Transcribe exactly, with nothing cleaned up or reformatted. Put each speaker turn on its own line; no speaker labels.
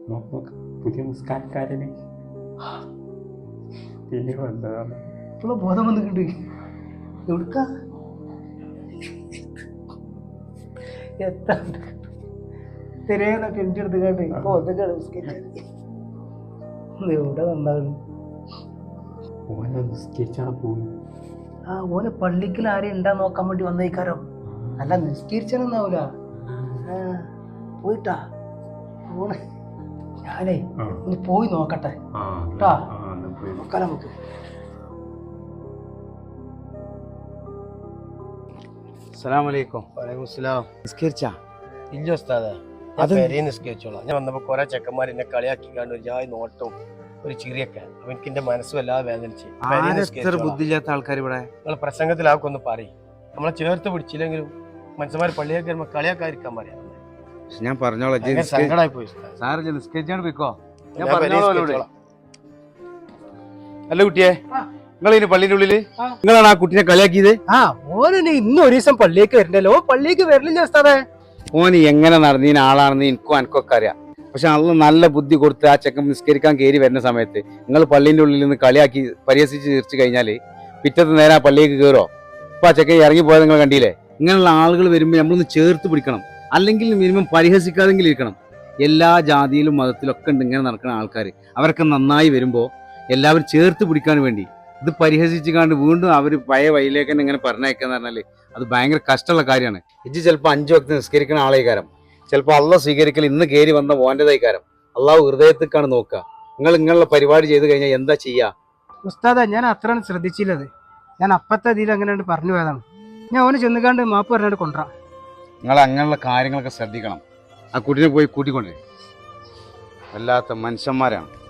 നോക്ക് നോക്ക് പുതിയ നിസ്കാരക്കാരന് പിന്നെ വന്നതാണ്.
ഇപ്പോഴും ബോധം വന്നിട്ടുണ്ട്. എവിടുക്ക എത്ര തിരയെന്നൊക്കെ എൻ്റെ അടുത്ത് കേട്ട് ഇപ്പൊ ഒന്നൊക്കെ എവിടെ നന്നാണ്.
ഓനെ നിസ്കരിച്ചാണ് പോകുന്നു.
ആ ഓനെ പള്ളിക്കൽ ആരെയും ഉണ്ടാ നോക്കാൻ വേണ്ടി വന്നേക്കാരോ. അല്ല നിസ്കരിച്ചാനൊന്നാവൂല. പോയിട്ടാ പോണേ. ഞാനേ ഇനി പോയി നോക്കട്ടെ കേട്ടാ. നോക്കാം നമുക്ക്.
അസ്സലാമലൈക്കും.
വലൈക്കും സ്സലാം.
നിസ്കരിച്ചാ?
ഇല്ല ഉസ്താദേ, ഞാൻ പെരേ നിസ്കരിച്ചോളാം. ഞാൻ വന്നപ്പോ കുറെ ചെക്കന്മാർ എന്നെ കളിയാക്കിക്കാണ്ട് ഒരു ജാതി നോട്ടവും ഒരു ചിരിയൊക്കെ. അപ്പൊ എനിക്ക് എന്റെ മനസ്സും എല്ലാം വേദനിച്ച്
ബുദ്ധിയില്ലാത്ത ആൾക്കാർ ഇവിടെ
നിങ്ങൾ പ്രസംഗത്തിലാക്കും ഒന്ന് പറയും. നമ്മളെ ചേർത്ത് പിടിച്ചില്ലെങ്കിലും മനുഷ്യന്മാർ പള്ളിയൊക്കെ വരുമ്പോ കളിയാക്കാതിരിക്കാൻ പറയാം.
ഞാൻ പറഞ്ഞോളാം,
സങ്കടമായി പോയി
സാറില്ല നിസ്കരിച്ചാണ് പോയിക്കോ. ഞാൻ
ഞാൻ പെരേ
പറഞ്ഞോളൂ.
നിസ്കരിച്ചോളാം.
അല്ല കുട്ടിയെ, നിങ്ങൾ ഇനി പള്ളിന്റെ ഉള്ളില് നിങ്ങളാണ് ആ കുട്ടിനെ കളിയാക്കിയത്?
ആ ഓനെ ഇന്ന് ഒരു ദിവസം പള്ളിയേക്ക് വരണ്ടല്ലോ. പള്ളിയേക്ക് വരലില്ല ഉസ്താദേ.
ഓന് എങ്ങനെ നടന്നീന ആളാണെന്ന് എനിക്കും എനിക്കൊക്കെ അറിയാം. പക്ഷെ അള്ള നല്ല ബുദ്ധി കൊടുത്ത് ആ ചെക്കൻ നിസ്കരിക്കാൻ കയറി വരുന്ന സമയത്ത് നിങ്ങൾ പള്ളിന്റെ ഉള്ളിൽ നിന്ന് കളിയാക്കി പരിഹസിച്ച് തീർച്ചു കഴിഞ്ഞാല് പിറ്റത്തെ നേരം ആ പള്ളിയേക്ക് കയറോ? ഇപ്പൊ ആ ചെക്കൻ ഇറങ്ങി പോയത് നിങ്ങൾ കണ്ടില്ലേ? ഇങ്ങനെയുള്ള ആളുകൾ വരുമ്പോൾ നമ്മളൊന്ന് ചേർത്ത് പിടിക്കണം. അല്ലെങ്കിൽ മിനിമം പരിഹസിക്കാതെങ്കിലും ഇരിക്കണം. എല്ലാ ജാതിയിലും മതത്തിലും ഒക്കെ ഉണ്ട് ഇങ്ങനെ നടക്കുന്ന ആൾക്കാർ. അവരൊക്കെ നന്നായി വരുമ്പോൾ എല്ലാവരും ചേർത്ത് പിടിക്കാൻ വേണ്ടി ഇത് പരിഹസിച്ച് കാണ്ട് വീണ്ടും അവർ പഴയ വഴിയിലേക്ക് തന്നെ ഇങ്ങനെ പറഞ്ഞയക്കാന്ന് പറഞ്ഞാൽ അത് ഭയങ്കര കഷ്ടമുള്ള കാര്യമാണ്. ഇജ്ജ് ചിലപ്പോൾ അഞ്ചു വക്ത് നിസ്കരിക്കുന്ന ആളേക്കാരം, ചിലപ്പോൾ അള്ളാഹ് സ്വീകരിക്കൽ ഇന്ന് കയറി വന്ന മോൻ്റെതായിക്കാരം. അള്ളാഹു ഹൃദയത്തേക്കാണ് നോക്കുക. നിങ്ങൾ ഇങ്ങനെയുള്ള പരിപാടി ചെയ്ത് കഴിഞ്ഞാൽ എന്താ ചെയ്യുക?
ഉസ്താദ, ഞാൻ അത്രയാണ് ശ്രദ്ധിച്ചില്ലത്. ഞാൻ അപ്പത്തെ ഇതിൽ അങ്ങനെ പറഞ്ഞു പോയതാണ്. ഞാൻ ഓന് ചെന്നുകാണ്ട് മാപ്പ് പറഞ്ഞാണ്ട് കൊണ്ടുവരാം.
നിങ്ങൾ അങ്ങനെയുള്ള കാര്യങ്ങളൊക്കെ ശ്രദ്ധിക്കണം. ആ കുട്ടിനെ പോയി കൂട്ടിക്കൊണ്ടേ. വല്ലാത്ത മനുഷ്യന്മാരാണ്.